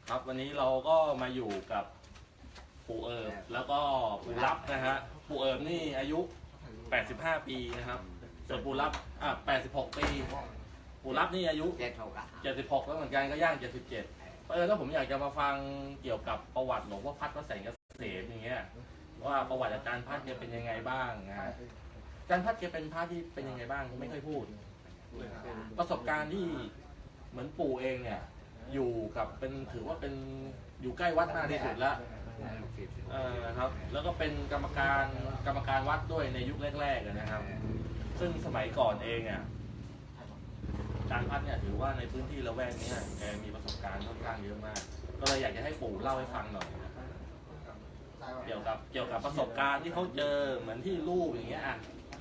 ครับวันนี้เราก็มาอยู่กับปู่เอิบแล้วก็ปู่รับนะฮะปู่เอิบนี่อายุ 85 ปีนะครับส่วนปู่รับ86 ปีปู่รับนี่อายุ 76 แล้วเหมือนกันก็ย่าง 77ถ้าผมอยากจะมาฟังเกี่ยวกับประวัติหลวงพ่อพัดวัดแสงเกษมอย่างเงี้ยว่าประวัติอาจารย์พัดเนี่ยเป็นยังไงบ้างนะอาจารย์พัดแกเป็นพระที่เป็นยังไงบ้างไม่ค่อยพูดประสบการณ์ที่เหมือนปู่เองเนี่ยอยู่กับเป็นถือว่าเป็นอยู่ใกล้วัดมากที่สุดแล้วครับแล้วก็เป็นกรรมการวัดด้วยในยุคแรกๆนะครับซึ่งสมัยก่อนเองอ่ะอาจารย์พัดเนี่ยถือว่าในพื้นที่ละแวกนี้แกมีประสบการณ์ค่อนข้างเยอะมากก็เลยอยากจะให้ปู่เล่าให้ฟังหน่อยเกี่ยวกับประสบการณ์ที่เขาเจอเหมือนที่ลูกอย่างเงี้ยอ่ะ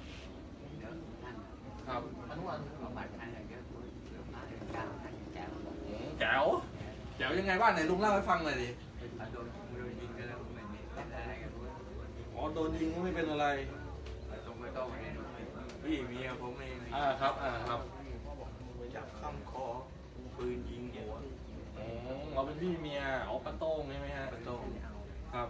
ครับแจ๋วยังไงบ้างไหนลุงเล่าให้ฟังหน่อยดิอ๋อโดนยิงก็ไม่เป็นอะไรพี่เมียผมเองครับจับข้ามคอปืนยิงหัวเราเป็นพี่เมียป้าโต้งใช่ไหมฮะป้าโต้งครับ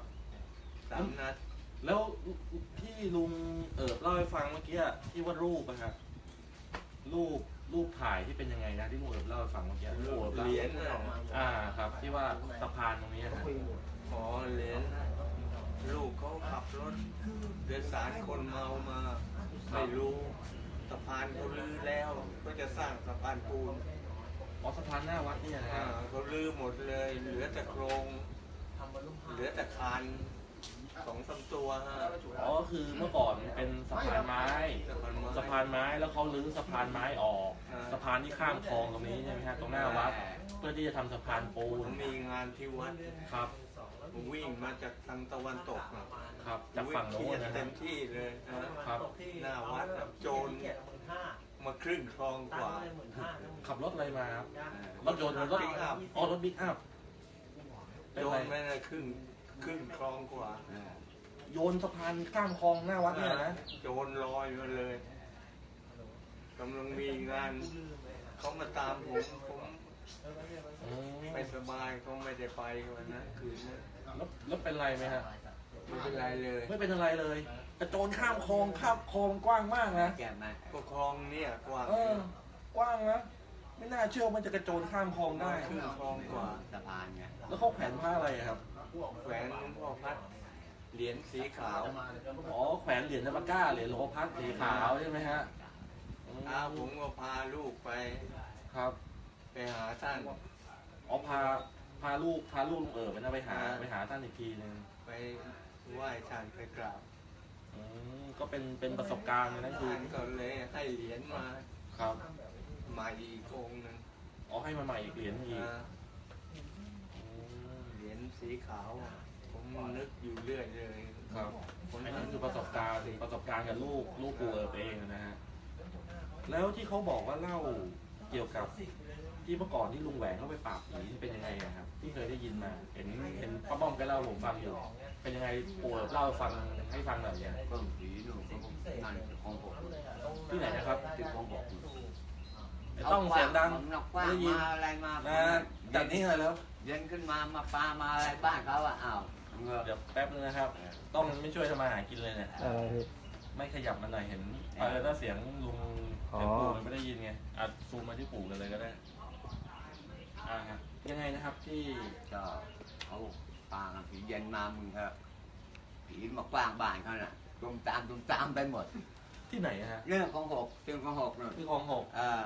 3 นัดแล้วที่ลุงเล่าให้ฟังเมื่อกี้ที่ว่ารูปอะครับรูปถ่ายที่เป็นยังไงนะที่ลุงเล่าให้ฟังเมื่อกี้เหรียญครับที่ว่าสะพานตรงนี้นะเหรียญลูกเขาขับรถโดยสารคนเมามาไม่รู้สะพานเขาลื้อแล้วก็จะสร้างสะพานปูนสะพานหน้าวัดนี่นะเขาลื้อหมดเลยเหลือแต่โครงเหลือแต่คาน2-3 ตัวคือเมื่อก่อนเป็นสะพานไม้แล้วเขาลื้อสะพานไม้ออกสะพานที่ข้ามคลองตรงนี้ใช่ไหมฮะตรงหน้าวัดเพื่อที่จะทำสะพานปูนมีงานที่วัดครับผมวิ่งมาจากทางตะวันตกครับจากฝั่งโน้นเต็มที่เลยครับหน้าวัดโจรมาครึ่งคลองกว่าขับรถอะไรมาครับรถยนต์รถบิ๊กอัพโจรไม่ได้ครึ่งคลองกว่าโยนสะพานข้ามคลองหน้าวัดเนี่ยนะโจรลอยมาเลยกำลังมีงานเขามาตามผมไม่สบายเขาไม่ได้ไปวันนั้นคืนนั้นแล้วเป็นไรไหมฮะไม่เป็นไรเลยไม่เป็นอะไรเลยกระโจนข้ามคลองกว้างมากนะก็คลองเนี่ยกว้างกว้างนะไม่น่าเชื่อมันจะกระโจนข้ามคลองได้ครึ่งคลองกว่าสะพานไงแล้วเขาแขวนผ้าอะไรครับแขวนหลวงพ่อพัดเหรียญสีขาวแขวนเหรียญนภก้าเหรียญหลวงพ่อพัดสีขาวใช่ไหมฮะผมก็พาลูกไปครับไปหาท่านพาลูกลุงไปหาท่านอีกทีนึงไปไหว้ท่านไปกราบก็เป็นประสบการณ์เลยนะคือก็เลยให้เหรียญมาครับมาอีกองค์นึงให้มาใหม่อีกเหรียญอีกเหรียญสีขาวผมนึกอยู่เรื่อยเลยครับอันนี้คือประสบการณ์กับลูกปู่เองนะฮะแล้วที่เขาบอกว่าเล่าเกี่ยวกับที่เมื่อก่อนที่ลุงแหวนเขาไปปราบผีเป็นยังไงครับที่เคยได้ยินมาเห็นป้าบ้อมแกเล่าผมฟังอยู่เป็นยังไงปู่เล่าฟังให้ฟังหน่อยเนี่ยก็ผีหนุ่มนั่นของผมที่ไหนนะครับที่ของผมต้องเสียงดังได้ยินอะไรมาจากนี้เลยแล้วเย็นขึ้นมาปลามาอะไรบ้านเขาเดี๋ยวแป๊บนึงนะครับต้องไม่ช่วยทำมาหากินเลยเนี่ยไม่ขยับมันหน่อยเห็นถ้าเสียงลุงปู่ไม่ได้ยินไงซูมมาที่ปู่กันเลยก็ได้ยังไงนะครับที่ก็เขาปางผีเย็นมามึงครับผีมากว้างบ้านเขาน่ะตุ้มตามไปหมดที่ไหนฮะเรื่องของ6เรื่องของ6นู่นที่ของ6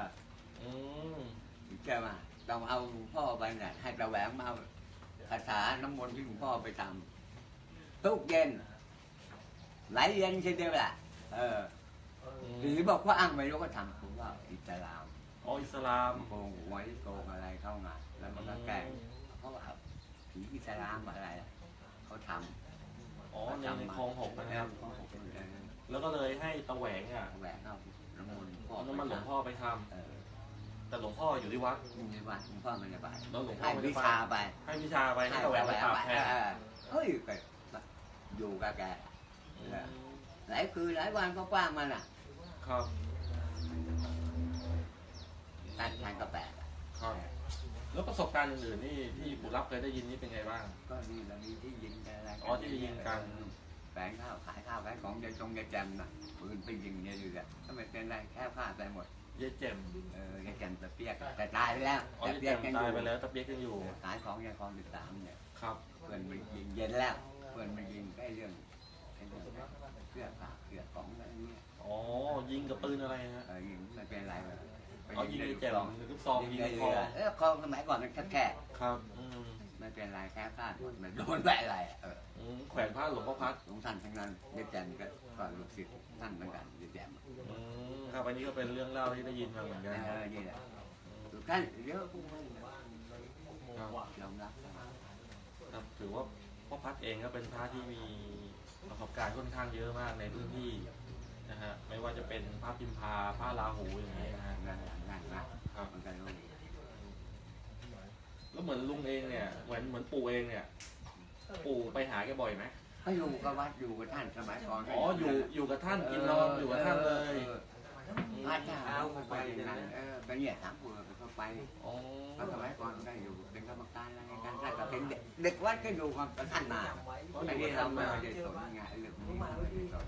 แกมาต้องเอาหลวงพ่อไปเนี่ยให้ตะแหวงมาคาถาน้ำมนต์ที่หลวงพ่อไปทำทุกเย็นไหลเย็นใช่ไหมล่ะหรือบอกว่าอ้างไม่รู้ก็ทำผมว่าอิสลามอิสลามโกงไว้โกงอะไรเข้ามาแล้วมันก็แกล้งเขาว่าผีอิสลามอะไรเขาทำในคลอง6นะครับแล้วก็เลยให้ตะแหวงเอาน้ำมนต์หลวงพ่อไปทำแต่หลวงพ่ออยู่ที่วัดหลวงพ่อไม่ได้ไปแล้วหลวงพ่อให้วิชาไปให้ตะแหวงไปปราบแทนเฮ้ยอยู่กับแกหลายคืนหลายวันก็กว้างมันครับท่านก็แปลกครับแล้วประสบการณ์อื่นๆนี่ที่ปู่รับเคยได้ยินนี่เป็นไงบ้างก็นี่เรามีที่ยิงกันอะไรอ๋อที่ยิงกันแฝงข้าวขายข้าวขายของยายจงยายแจมน่ะปืนไปยิงเนี่ยอยู่อ่ะก็ไม่เป็นไรแค่ผ้าไปหมดเย่เจ็มยายแจมตะเปียกแต่ตายไปแล้วอ๋อแต่เย่เปีเจ็ยกมยังอตายยู่ไปแล้วตะเปียกยังอยู่ขายของยายคลอง13เนี่ยครับเพื่อนไปยิงเย็นแล้วเพื่อนไปยิงไอ้เรื่องเสื้อผ้าเสื้อของอะไรเงี้ยอ๋อยิงกับปืนอะไรฮะยิงไม่เป็นไรเลยอ๋อยิงในแจ่มหรือลูกซองยิงในคคออคลองสมัยก่อนมันแค่ครับไม่เป็นไรแค่พลาดหมดมันโดนแบบอะไรแขวนผ้าหลวงพ่อพัดหลวงท่านทั้งนั้นยายแจมก็ลูกศิษย์ท่านเหมือนกันยายแจมครับอันนี้ก็เป็นเรื่องเล่าที่ได้ยินมาเหมือนกันนี่แหละทุกท่านเยอะพวกนั้นครับยอมรับครับถือว่าพ่อพัดเองก็เป็นพระที่มีประสบการณ์ค่อนข้างเยอะมากในพื้นที่นะฮะไม่ว่าจะเป็นพระพิมพาพระราหูอย่างนี้นะฮะงานนะครับ มันก็รู้แล้วเหมือนลุงเองเนี่ยเหมือนปู่เองเนี่ยปู่ไปหาแกบ่อยไหมก็อยู่กับวัดอยู่กับท่านสมัยก่อนอ๋ออยู่กับท่านกินนอนอยู่กับท่านเลยพระเจ้าก็ไปอย่างนั้นไปเนี่ยถามปู่ก็ไปอ๋อสมัยก่อนก็อยู่เป็นกรรมการอะไรกันท่านก็เป็นเด็กวัดก็อยู่กับท่านมาไอ้นี่เราไม่ได้สนไงเรื่องนี้ไม่ได้สน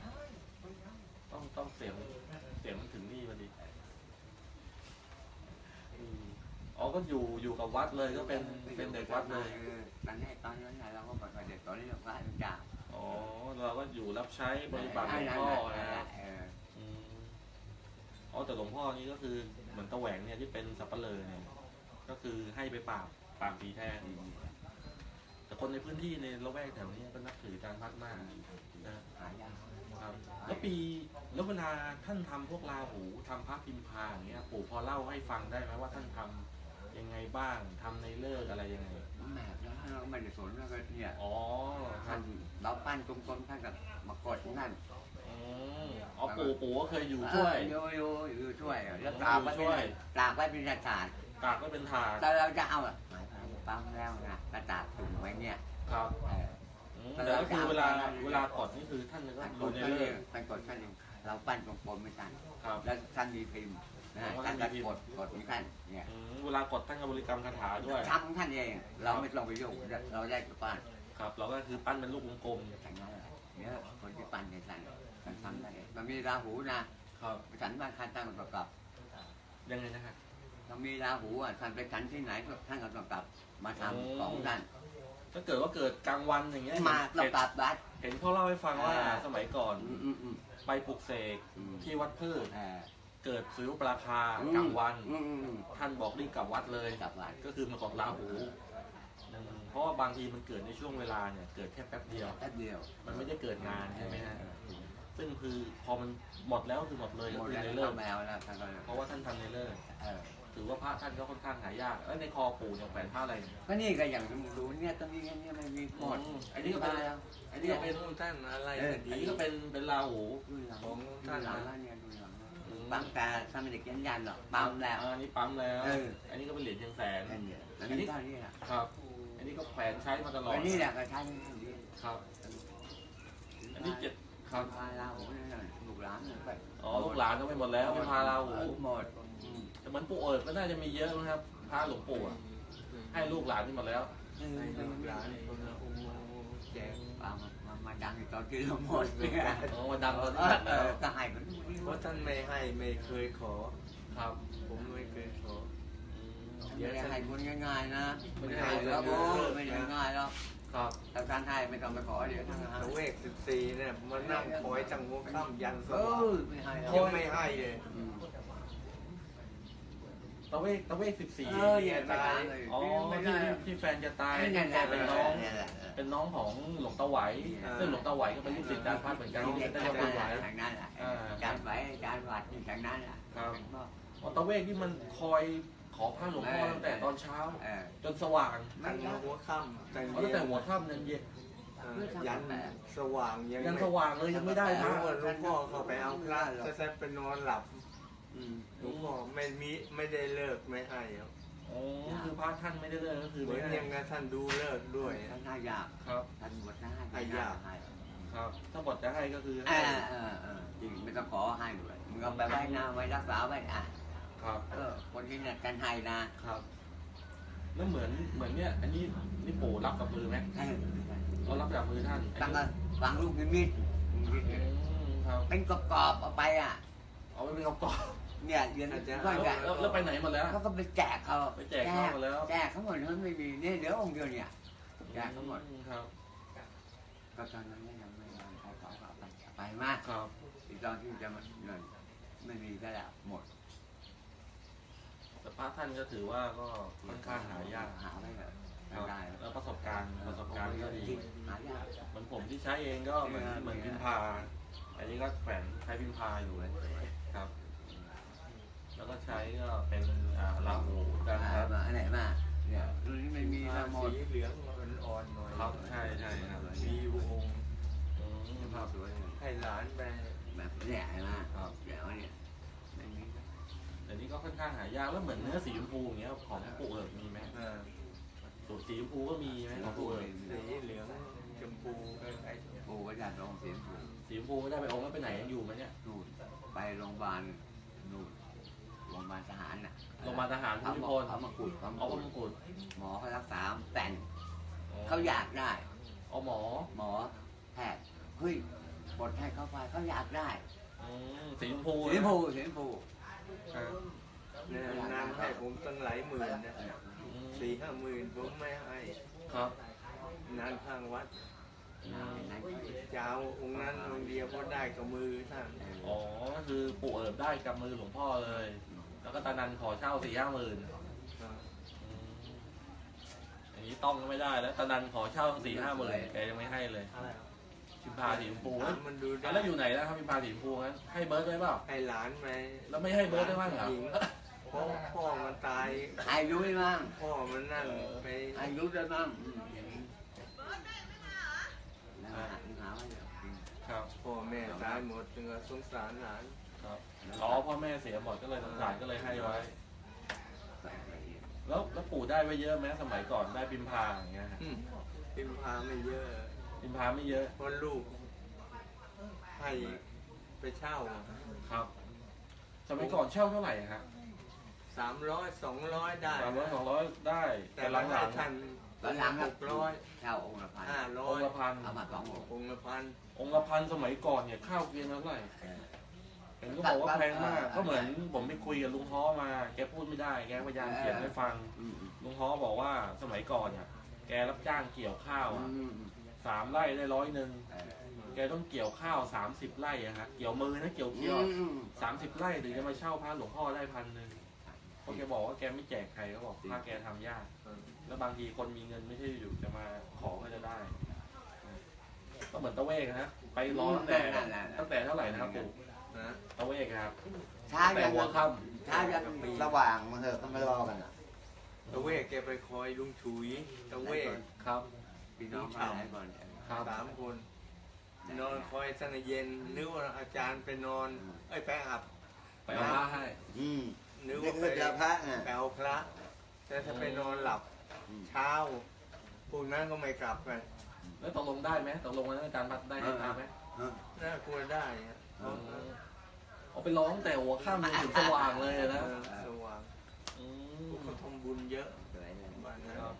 ต้องเสียงมันถึงนี่พอดีอ๋อก็อยู่กับวัดเลยก็เป็นเด็กวัดเลยตอนนั้นเราก็บอกว่าเด็กตอนนี้เราพระเจ้าอ๋อเราก็อยู่รับใช้บริบัติหลวงพ่อนะฮะอ๋อแต่หลวงพ่อนี่ก็คือเหมือนตะแหวงเนี่ยที่เป็นสับปะเลอเนี่ยก็คือให้ไปปราบผีแทนแต่คนในพื้นที่ในละแวกแถวนี้ก็นับถืออาจารย์พัดมากนะหายากครับแล้วเวลาท่านทำพวกราหูทำพระพิมพาอย่างเงี้ยปู่พอเล่าให้ฟังได้ไหมว่าท่านทำยังไงบ้างทำในเลิกอะไรยังไงแม่เราไม่ได้สนแล้วก็เนี่ยอ๋อครัท่าบนเราปั้นกลมๆท่านก็มากดนั่นอ๋อปู่ก็เคยอยู่ช่วยอยู่ช่วยแล้วตากไว้เป็นศาสตร์ตากก็เป็นถาดแต่เราจะเอาปั๊มแล้วนะกระดาษถุงไว้เนี่ยครับแต่ก็คือเวลากดนี่คือท่านก็ท่านกดูดในท่านเลิเอก งท่านกดท่านเองเราปั้นกลมๆไม่ทันครับแล้วท่านมีพิมพ์นะท่านก็กดของท่านเนี่ยเวลากดท่านก็บริกรรมคาถาด้วยทำของท่านเองเราไม่ต้องไปยุ่งเราได้กับปั้นครับเราก็คือปั้นเป็นลูกกลมอย่างนั้นเนี่ยคนที่ปั้นในท่านทำได้มันมีราหูนะครับ ฉันบ้านท่านตั้งประกอบยังไงนะครับเรามีราหูท่านไปฉันที่ไหนท่านก็ต้องกลับมาทำของท่านถ้าเกิดว่าเกิดกลางวันอย่างเงี้ยมาต้องกลับวัดเห็นเขาเล่าให้ฟังว่าสมัยก่อนอืมไปปลุกเสกที่วัดพืชอ่าเกิดสุริยุปราคากลางวันอืมท่านบอกรีบกลับวัดเลยกลับวัดก็คือมากดราหูเพราะว่าบางทีมันเกิดในช่วงเวลาเนี่ยเกิดแค่แป๊บเดียวแป๊บเดียวมันไม่ได้เกิดนานใช่ไหมฮะซึ่งคือพอมันหมดแล้วคือหมดเลยหก็มดคือแล้วในเลิกแมวแล้วท่านก็เพราะว่าท่านทำในเลิกเออถือว่าพระท่านก็ค่อนข้างหายากแล้วในคอปู่เนี่ยแขวนผ้าอะไรเนี่ยก็นี่ก็อย่างที่มึงรู้เนี่ยตรงนี้เนี่ยไม่มีหมดอันนี้ก็เป็นแล้วอันนี้ก็เป็นท่านอะไรอันนี้ก็เป็นราหูดูหลังของดูท่านหลังแล้วเนี่ยดูหลังบางตาสมัยเด็กยันหรอกปั๊มแล้วอันนี้ปั๊มแล้วเอออันนี้ก็เป็นเหรียญเชียงแสนนั่นเนี่ยอันนี้เท่านี้แหละครับ อันนี้ก็แขวนใช้มาตลอดอันนี้แหละก็ใช้ดีครับ อันนี้ครับพาเราเนี่ยลูกหลานไปอ๋อลูกหลานก็ไม่หมดแล้วเป็นพาราหูหมดแต่เหมือนปู่เอิบก็น่าจะมีเยอะนะครับพระหลวงปู่อะให้ลูกหลานนี่หมดแล้วให้ลูกหลานคนละองค์แจกมาดังตอนที่เราหมดเนี่ยอ๋อมาดังตอนนี้หมดแล้วก็ให้คนเพราะท่านไม่ให้ไม่เคยขอครับผมไม่เคยขอไม่ได้ให้คนง่ายๆนะไม่ได้ให้แล้วโอ้ไม่ได้ง่ายหรอกครับถ้าการให้ไม่ต้องไปขอเดี๋ยวท่านให้ตะเวก14เนี่ยมานั่งคอยตั้งหัวค่ำยันสเอว่างอไม่ให้หรอกยังไม่ให้เลยตะเวก14 อย่าตายเลยอ๋อที่แฟนจะตายนี่แหละเป็นน้องของหลวงตาไหวซึ่งหลวงตาไหวก็เป็นลูกศิษย์อาจารย์พัดเหมือนกันที่ได้ทารับงไหวนั้นแหละจานไหวจานวัดทางนั้นแหละอ๋อตะเวกที่มันคอยขอพระหลวงพ่อตั้งแต่ตอนเช้า จนสว่างตั้งหัวค่ำแต่ตั้งแต่หัวค่ำยันเย็นยันสว่างยังยันสว่างเลยยังไม่ได้พระรู้ว่าหลวงพ่อเขาไปเอาพระจะแซ่ไปนอนหลับหลวงพ่อไม่ได้เลิกไม่ให้ครับอ๋อคือพระท่านไม่ได้เลิกก็คือเหมืไม่อนให้ยังไงท่านดูเลิกด้วยท่านให้ยากครับท่านบวชให้ครับ ถ้าบทจะให้ก็คือจริงไม่ต้องขอให้ด้วยมึงเอาไปไว้นะไว้รักษาไว้ครับคนที่เนี่ยกันให้นะครับแล้วเหมือนเนี่ยอันนี้นี่ปู่รับกับมือไหมเออเรารับจากมือท่านตั้งแต่ฟังลูกนิดครับเป็นกรอบๆเอาไปอ่ะเอาไว้เป็นกระป๋องเนี่ยเรียนก็แล้วไปไหนหมดแล้วเขาก็ไปแจกเขาไปแจกเขาหมดแล้วแจกเขาหมดนั้นไม่มีเนี่ยเหลือองค์เดียวเนี่ยแจกเขาหมดครับก็ตอนนั้นยังไม่ได้ใครขอเอาไปมากครับอีกตอนที่จะมาเงินไม่มีก็แล้วหมดแต่พระท่านก็ถือว่าก็ค่อนข้างหายากหาไม่ได้ครับได้แล้วประสบการณ์ก็ดีหายากเหมือนผมที่ใช้เองก็เหมือนพิมพา อันนี้ก็แขวนใช้พิมพาอยู่เลยครับ แล้วก็ใช้ก็เป็นลาหูกันครับมาอันไหนมาเนี่ยรุ่นนี้ไม่มีผ้าละหมดสีเหลืองอ่อนๆหน่อยครับใช่ครับมีอยู่องค์ภาพสวยให้หลานไปแบบเนี่ยเห็นไหมเดี๋ยวเนี่ยไม่มีเดี๋ยวนี้ก็ค่อนข้างหายากแล้วเหมือนเนื้อสีชมพูอย่างเงี้ยของปู่เอิบมีไหมอ่าสูตรสีชมพูก็มีไหมของปู่เอิบสีเหลืองชมพูไอ้ปูก็จัดลงเสียงปูสีชมพูไม่ได้ไปองค์แล้วไปไหนยังอยู่ไหมเนี่ยนู่นไปโรงพยาบาลนู่นโรงพยาบาลทหารน่ะโรงพยาบาลทหารภูเขามิมาพลเขามาขุดเขามาเอาพขุระดมงกุฎหมอเขารักษาแต่นเขาอยากได้เอาหมอหมอแพทย์เฮ้ยบทให้เขาไปเขาอยากได้สีชมพูเสียงปูเสียงปูครับเนี่ยนางให้ผมตั้งหลายหมื่นนะ 4-5 หมื่นผมไม่ให้ครับนางข้างวัดนั่นจะเอาองค์นั้นองค์เดียวก็ได้กับมือท่านอ๋อก็คือปู่เอิบได้กับมือหลวงพ่อเลย แล้วก็ตานันขอเช่า4-5 หมื่นอย่างนี้ต้องก็ไม่ได้แล้วตานันขอเช่า4-5 หมื่นแกยังไม่ให้เลยพิมพาสีชมพูถามมันดูได้แล้วอยู่ไหนแล้วครับพิมพาสีชมพูงั้นให้เบิร์ดได้เปล่าให้หลานไปแล้วไม่ให้เบิร์ดได้บ้างเหรอญิเพราะพ่อมันตายอายุได้มั้งพ่อมันนั่นไปอายุได้มั้งแล้วหาว่าเดี๋ยวครับพ่อแม่ตายหมดจึงสงสารหลานครับอ๋อพ่อแม่เสียหมดก็เลยสงสารก็เลยให้ไว้ แล้วปู่ได้ไว้เยอะไหมสมัยก่อนได้พิมพาอย่างเงี้ยฮะพิมพาไม่เยอะพิมพาไม่เยอะเพราะลูกให้ไปเช่าครับ สมัยก่อนเช่าเท่าไหร่ฮะ 300-200 ได้ 300-200ได้แต่แต่หลังหลังท่านตอนหลังครับ 600 เช่าองค์ละพันๆองค์ละ 500 พันเอามา2 องค์องค์ละพันองค์ละพันสมัยก่อนเนี่ยข้าวเกวียนละเท่าไหร่เห็นก็บอกว่าแพงมากก็เหมือนผมไปคุยกับลุงฮ้อมาแกพูดไม่ได้แกพยายามเขียนให้ฟังลุงฮ้อบอกว่าสมัยก่อนเนี่ยแกรับจ้างเกี่ยวข้าวอะ3 ไร่ได้100แกต้องเกี่ยวข้าว30 ไร่อะฮะเกี่ยวมือนะเกี่ยวเคี้ยว30 ไร่ถึงจะมาเช่าพระหลวงพ่อได้1,000เพราะแกบอกว่าแกไม่แจกใครเขาบอกถ้าแกทำยากแล้วบางทีคนมีเงินไม่ใช่อยู่จะมาขอก็จะได้ ก็เหมือนตะเวกนะฮะไปรอตั้งแต่เท่าไหร่นะครับปู่นะตะเวกครับช้าแต่ยังหัวค่ช้ายังสว่างมาเถอะก็ไม่รอกันอ่ะตะเวกแกไปคอยลุงฉุยตะเวกำครับพี่น้องมาไหนก่อนครับ 3 คน นอนคอยตั้งแต่เย็นนึกว่าอาจารย์ไปนอนไปอาบไปเอาผ้าให้นึกนี่ว่าคือจะพระไงไปเอาพระ แต่ถ้าไปนอนหลับเช้าพวกนั้นก็ไม่กลับกันแล้วตกลงได้ไหมตกลงวันนั้นอาจารย์พัดได้ให้ตามไหมน่ากลัวได้ฮะเอาไปร้องแต่หัวค่ำจนถึงสว่างเลยนะสว่างอืพวกมเขาทำบุญเยอะสวยเลยบ้านนั้นครับ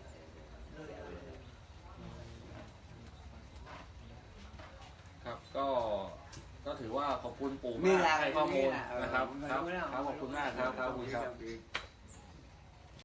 ครับก็ถือว่าขอบคุณปู่มากให้ข้อมูลนะครับครับขอบคุณมากครับครับ